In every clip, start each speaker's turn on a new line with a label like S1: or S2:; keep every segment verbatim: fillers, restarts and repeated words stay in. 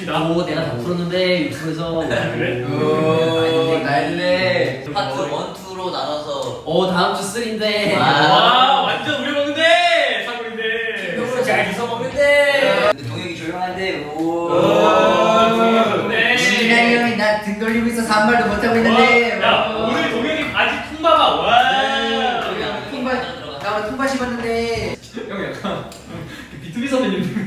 S1: 있습니다.
S2: 오, 내가 다 풀었는데 유튜브에서.
S1: 그래?
S3: 오, 날래.
S4: 파트 원, 투로 나눠서.
S2: 오, 다음 주 쓰리인데.
S1: 와, 완전 우리 먹는데 사골인데.
S3: 이거 잘 주워 먹는데.
S4: 근데 동혁이 조용한데. 오.
S1: 네.
S3: 진양이 형이 나 등 돌리고 있어서 아무 말도 못하고 있는데.
S1: 야, 오늘 동혁이 바지 통봐봐. 와.
S3: 통발, 나 오늘 통발 씹었는데.
S2: 형 약간 비투비 선배님.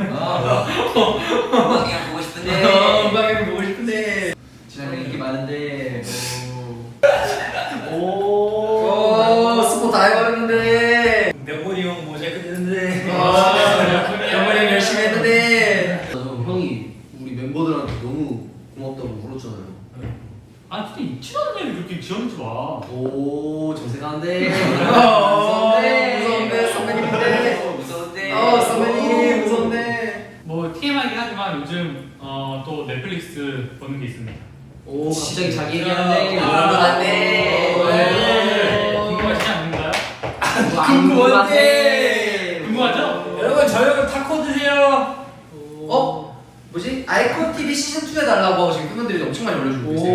S4: 음악이랑 보고 싶은데.
S3: 어, 음악을 보고 싶은데. 진양이 인기 많은데.
S2: 오.
S3: 오, 스포 다 해버렸는데.
S5: 명문이 형 모자이크 되는데.
S3: 영원히 형 열심히 했는데.
S2: 형이 우리 멤버들한테 너무 고맙다고 물었잖아요.
S1: 아, 근데 있지도 않은 애를 그렇게 지어내지 마.
S2: 오, 정색하는데.
S3: 무서운데, 무서운데, 선배님인데.
S4: 무서운데.
S3: 어, 선배님, 무서운데.
S1: 뭐 티엠아이긴 하지만 요즘 어, 또 넷플릭스 보는 게 있습니다.
S2: 오, 갑자기 자기 얘기하는데.
S4: 궁금한데.
S1: 네. 궁금하시지 않는가요?
S3: 궁금한데.
S1: 궁금하죠?
S5: 여러분 저 형은 타코 드세요.
S3: 어? 뭐지? 아이콘 티비 시즌 투 해달라고 하고 지금 팬분들이 엄청 많이 올려주고 계세요.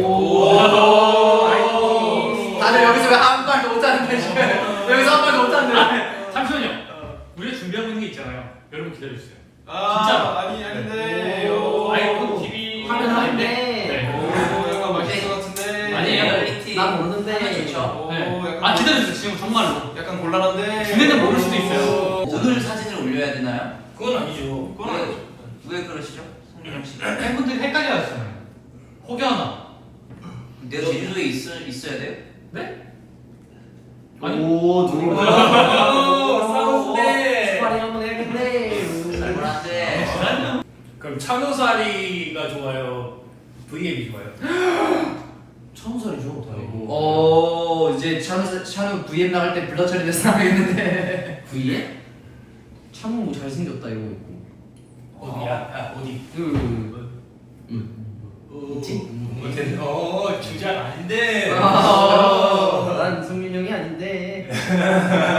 S1: 오.
S3: 다들 여기서 왜 한 말도 못하는데 지금 여기서 한 말도 못하는데.
S1: 잠시만요. 우리가 준비하고 있는 게 있잖아요. 여러분 기다려주세요.
S5: 아,
S1: 진짜로.
S5: 아니 아닌데.
S1: 오. 아이콘 티비
S2: 하면 하는데.
S1: 네.
S5: 오, 약간 맛있을 것 같은데.
S1: 아니에요.
S4: 리얼리티.
S2: 난 모르는데.
S4: 하면 좋죠.
S5: 오,
S1: 네.
S5: 약간
S1: 아 기다려주세요. 지금 정말로.
S5: 약간 곤란한데.
S1: 준비는 모를 수도 있어요.
S4: 오늘 사진을 올려야 되나요?
S5: 그건 아니죠. 그건
S4: 왜,
S5: 아니죠.
S4: 왜 그러시죠? 송민영 씨.
S1: 팬분들이 헷갈려 하시잖아요. 혹여나.
S4: 내가 제주도에 있어, 있어야 돼요?
S1: 네? 아니.
S2: 오, 누구
S5: 오, 싸우는데.
S2: 스파링 한번 해야겠네.
S4: 잘못한데.
S5: 그럼 찬호사리가 좋아요. 브이앱이 좋아요.
S2: 처음 살이죠, 다행히.
S3: 어 이제 샤누 샤누 브이엠 나갈 때 블러 처리돼서 나가겠는데.
S2: V에? 참은 뭐 잘생겼다 이거 있고.
S5: 어디야? 아, 어디?
S2: 그.
S5: 있지? 못했네. 어, 주작 아닌데.
S3: 아.
S2: 난 성민 형이 아닌데.